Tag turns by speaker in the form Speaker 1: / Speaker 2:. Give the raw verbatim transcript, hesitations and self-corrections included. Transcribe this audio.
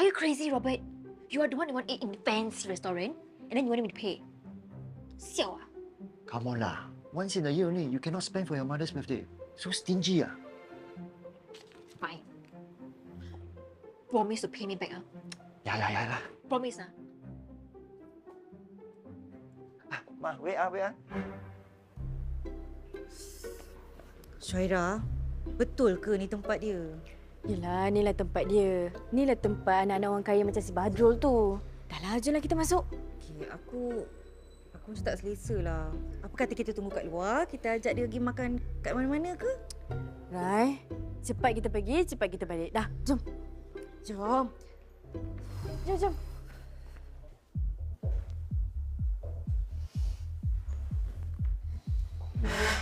Speaker 1: you crazy, Robert? You are the one who want to eat in the fancy restaurant, and then you want me to pay. Siao ah.
Speaker 2: Come on lah. Once in a year only, you cannot spend for your mother's birthday. So stingy ah.
Speaker 1: Fine. Promise to pay me back, ah.
Speaker 2: Ya lah, ya lah.
Speaker 1: Promise, ah.
Speaker 2: Ah, Ma, wait ah, wait ah.
Speaker 3: Syaira, betul ke ni tempat dia?
Speaker 4: Yelah, inilah tempat dia. Inilah tempat anak-anak orang kaya macam si Badrul tu. Dah lah, jomlah kita masuk.
Speaker 3: Okey, aku... Aku macam tak selesa lah. Apa kata kita tunggu kat luar, kita ajak dia pergi makan kat mana-mana ke?
Speaker 4: Rai, cepat kita pergi, cepat kita balik. Dah, jom. Jom. Jom, jom.
Speaker 1: Hmm.